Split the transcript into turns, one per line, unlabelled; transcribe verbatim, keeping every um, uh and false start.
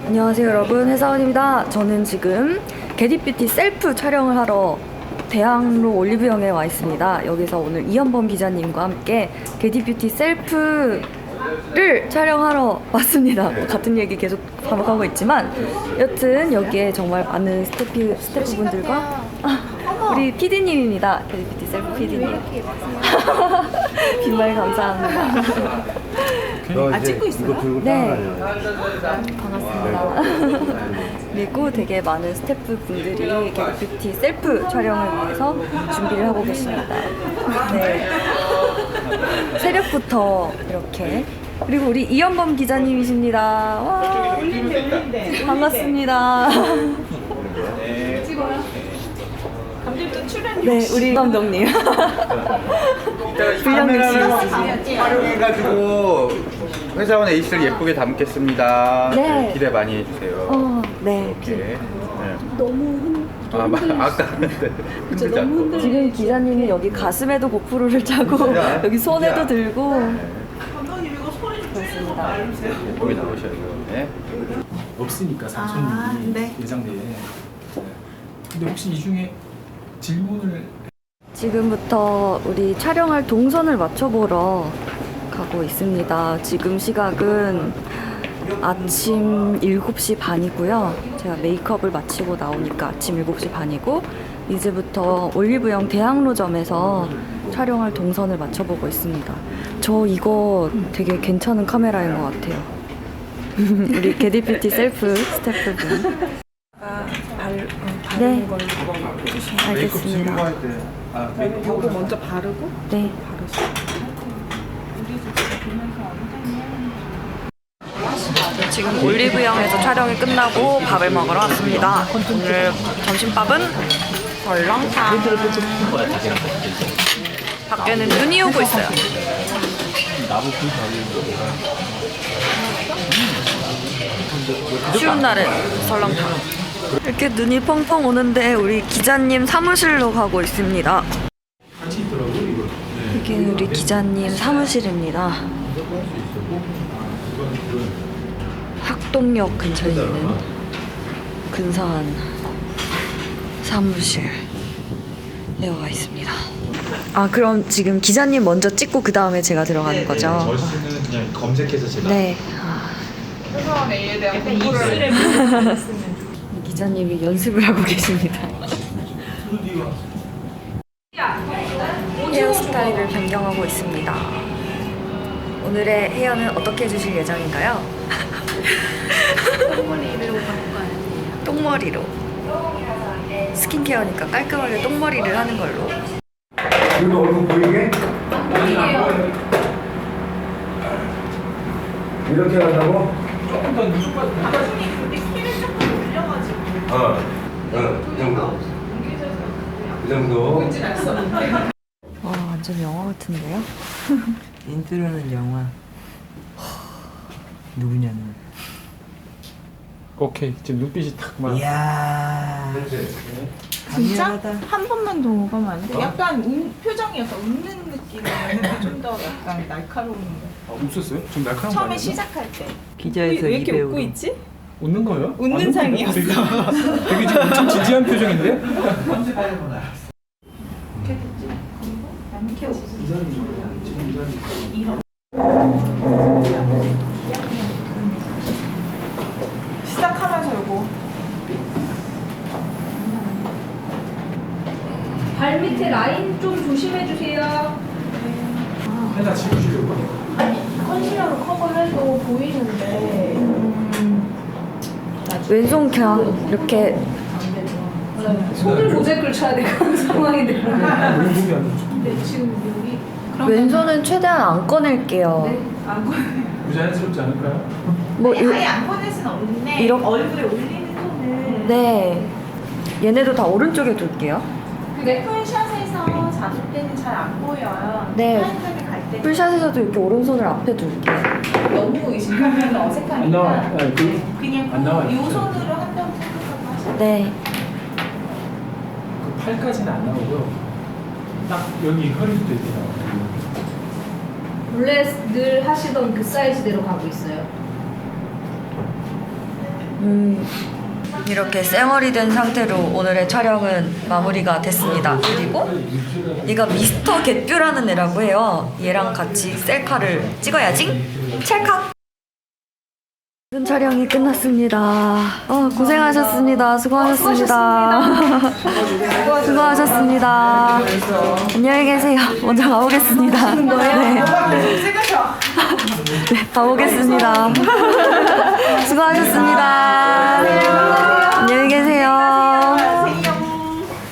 안녕하세요 여러분, 회사원입니다. 저는 지금 게디뷰티 셀프 촬영을 하러 대학로 올리브영에 와 있습니다. 여기서 오늘 이현범 기자님과 함께 게디뷰티 셀프를 촬영하러 왔습니다. 뭐 같은 얘기 계속 반복하고 있지만 여튼 여기에 정말 많은 스태프, 스태프분들과 아, 우리 피디님입니다. 게디뷰티 셀프 피디님. 빈말 감사합니다.
아, 찍고 있어요?
네. 반갑습니다. 그리고 되게 많은 스태프분들이 게디뷰티 셀프 촬영을 위해서 준비를 하고 계십니다. 네. 새벽부터 이렇게. 그리고 우리 이현범 기자님이십니다. 와. 반갑습니다.
찍어요. 감독도 출연.
네, 우리 감독님.
카메라를 활용해가지고 회사원 에이스를 예쁘게 담겠습니다.
네.
기대 많이 해주세요.
어, 네.
이렇게. 네.
너무
아, 막 아까 흔들지 않고.
지금 기자님이 여기 가슴에도 고프로를 차고 여기 손에도 들고
감독님 이거 소리 좀 줄여서 말해주세요.
예쁘게 나오셔야 돼요. 네.
없으니까 삼촌이
아, 네.
예정대에. 네. 근데 혹시 이 중에 질문을
지금부터 우리 촬영할 동선을 맞춰보러 가고 있습니다. 지금 시각은 아침 일곱 시 반이고요. 제가 메이크업을 마치고 나오니까 아침 일곱 시 반이고 이제부터 올리브영 대학로점에서 촬영할 동선을 맞춰보고 있습니다. 저 이거 되게 괜찮은 카메라인 것 같아요. 우리 게디뷰티 셀프 스태프분. 네, 알겠습니다.
아,
이거 먼저 바르고
네. 지금 올리브영에서 촬영이 끝나고 밥을 먹으러 왔습니다. 오늘 점심밥은 설렁탕. 밖에는 눈이 오고 있어요. 추운 날은 설렁탕. 이렇게 눈이 펑펑 오는데 우리 기자님 사무실로 가고 있습니다. 이게 우리 기자님 사무실입니다. 학동역 근처에 있는 근사한 사무실에 와 있습니다. 아, 그럼 지금 기자님 먼저 찍고 그 다음에 제가 들어가는 거죠?
저희는 그냥 검색해서 제가
네. 아.
회사원 A에 대한 공부를
기자님이 연습을 하고 계십니다. 헤어스타일을 변경하고 있습니다. 오늘의 헤어는 어떻게 해주실 예정인가요?
똥머리로 바꿔요.
똥머리로. 스킨케어니까 깔끔하게 똥머리를 하는 걸로.
이거 얼굴 보이게? 이렇게 한다고?
조금 더 누르고
감독님 근데 키를 조금 올려가지고
어, 어, 이 정도. 이 정도.
보이진 않았었는데.
와, 완전 영화 같은데요?
인트로는 영화. 누구냐는.
오케이 지금 눈빛이 탁 막.
이야.
진짜?
강렬하다.
한 번만 더 먹으면 안 돼? 약간 운, 표정이 약간 웃는 느낌이면 좀 더 약간 날카로운 거.
아, 웃었어요? 좀 날카로운 거
처음에
아니에요?
시작할 때.
기자에서
왜 이렇게
이배우로.
웃고 있지?
웃는 거예요?
웃는
안 웃는데?
상이었어.
되게, 되게 지금 엄청 진지한 표정인데?
시작하면서 요거.
발 밑에 라인 좀 조심해 주세요.
하나 지우시려고?
컨실러로 커버해도 보이는데
왼손 그냥 이렇게
손을 모자이크를 쳐야 될 그런 상황이 되는
너무 보기 안 좋죠.
근데 지금 여기
왼손은 최대한 안 꺼낼게요.
네, 안 보여요.
부자연스럽지 않을까요?
뭐
아니,
이-
아예 안 보낼 순 없는데
이렇게-
얼굴에 올리는 톤을
네. 얘네도 다 오른쪽에 둘게요.
근데 풀샷에서 잡을 때는 잘 안 보여요.
네.
타임점에 갈 때.
풀샷에서도 이렇게 오른손을 앞에 둘게요.
너무 의식하면 어색하니까
안 나와요. 아니, 그-
그냥
안 나와요.
이 손으로 한다고 생각하고 하시면
네.
그 팔까지는 안 나오고요. 딱 여기 허리부터 이렇게 나와요.
원래 늘 하시던 그 사이즈대로 가고 있어요.
음, 이렇게 쌩얼이 된 상태로 오늘의 촬영은 마무리가 됐습니다. 그리고 얘가 미스터 갯뷰라는 애라고 해요. 얘랑 같이 셀카를 찍어야지. 찰칵. 모든 촬영이 끝났습니다. 어, 고생하셨습니다. 수고하셨습니다. 수고하셨습니다. 안녕히 계세요. 먼저 가보겠습니다. 네. 네, 가보겠습니다. 수고하셨습니다.